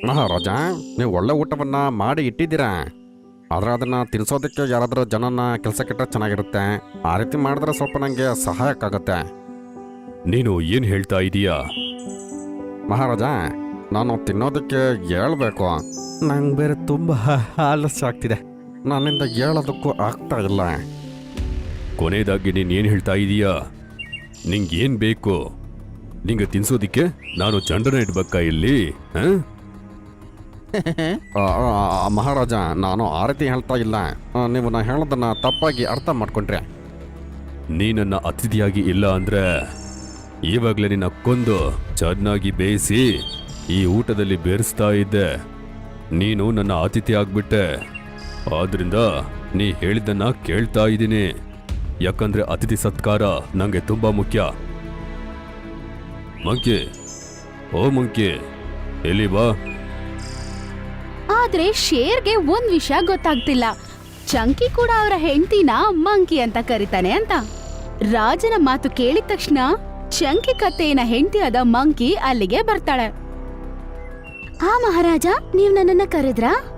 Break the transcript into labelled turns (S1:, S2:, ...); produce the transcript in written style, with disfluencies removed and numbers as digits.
S1: ಮಹಾರಾಜ, ನೀವು ಒಳ್ಳೆ ಊಟವನ್ನ ಮಾಡಿ ಇಟ್ಟಿದ್ದೀರಾ. ಆದ್ರೆ ಅದನ್ನ ತಿನ್ಸೋದಕ್ಕೆ ಯಾರಾದರೂ ಜನನ ಕೆಲಸಕ್ಕಿಟ್ರೆ ಚೆನ್ನಾಗಿರುತ್ತೆ. ಆ ರೀತಿ ಮಾಡಿದ್ರೆ ಸ್ವಲ್ಪ ನನಗೆ ಸಹಾಯಕ್ಕಾಗತ್ತೆ.
S2: ನೀನು ಏನ್ ಹೇಳ್ತಾ ಇದೀಯಾ?
S1: ಮಹಾರಾಜ, ನಾನು ತಿನ್ನೋದಕ್ಕೆ ಹೇಳ್ಬೇಕು. ನಂಗೆ ಬೇರೆ ತುಂಬ ಆಲಸ್ಯ ಆಗ್ತಿದೆ. ನನ್ನಿಂದ ಹೇಳೋದಕ್ಕೂ ಆಗ್ತಾ ಇಲ್ಲ.
S2: ಕೊನೆಯದಾಗಿ ನೀನ್ ಏನ್ ಹೇಳ್ತಾ ಇದೀಯಾ? ನಿಂಗೇನ್ ಬೇಕು? ನಿಂಗೆ ತಿನ್ಸೋದಿಕ್ಕೆ ನಾನು ಚಂಡನ ಇಡ್ಬೇಕಾ ಇಲ್ಲಿ?
S1: ಮಹಾರಾಜ, ನಾನು ಆ ರೀತಿ ಹೇಳ್ತಾ ಇಲ್ಲ. ನೀವು ನಾ ಹೇಳೋದನ್ನ ತಪ್ಪಾಗಿ ಅರ್ಥ ಮಾಡ್ಕೊಂಡ್ರೆ.
S2: ನೀ ನನ್ನ ಅತಿಥಿಯಾಗಿ ಇಲ್ಲ ಅಂದ್ರೆ ಇವಾಗಲೇ ನಿನ್ನ ಕೊಂದು ಚೆನ್ನಾಗಿ ಬೇಯಿಸಿ ಈ ಊಟದಲ್ಲಿ ಬೇರಿಸ್ತಾ ಇದ್ದೆ. ನೀನು ನನ್ನ ಅತಿಥಿ ಆಗ್ಬಿಟ್ಟೆ. ಆದ್ರಿಂದ ನೀ ಹೇಳಿದ್ದನ್ನ ಕೇಳ್ತಾ ಇದ್ದೀನಿ. ಯಾಕಂದ್ರೆ ಅತಿಥಿ ಸತ್ಕಾರ ನಂಗೆ ತುಂಬಾ ಮುಖ್ಯ. ಮಂಕಿ, ಓ ಮಂಕಿ, ಎಲ್ಲಿ ಬಾ.
S3: ಆದ್ರೆ ಶೇರ್ಗೆ ಒಂದ್ ವಿಷಯ ಗೊತ್ತಾಗ್ತಿಲ್ಲ. ಚಂಕಿ ಕೂಡ ಅವರ ಹೆಂಡತಿನ ಮಂಕಿ ಅಂತ ಕರೀತಾನೆ ಅಂತ. ರಾಜನ ಮಾತು ಕೇಳಿದ ತಕ್ಷಣ ಚಂಕಿ ಕತ್ತೆಯನ ಹೆಂಡತಿಯಾದ ಮಂಕಿ ಅಲ್ಲಿಗೆ ಬರ್ತಾಳೆ. ಆ ಮಹಾರಾಜ, ನೀವ್ ನನ್ನನ್ನ ಕರೆದ್ರಾ?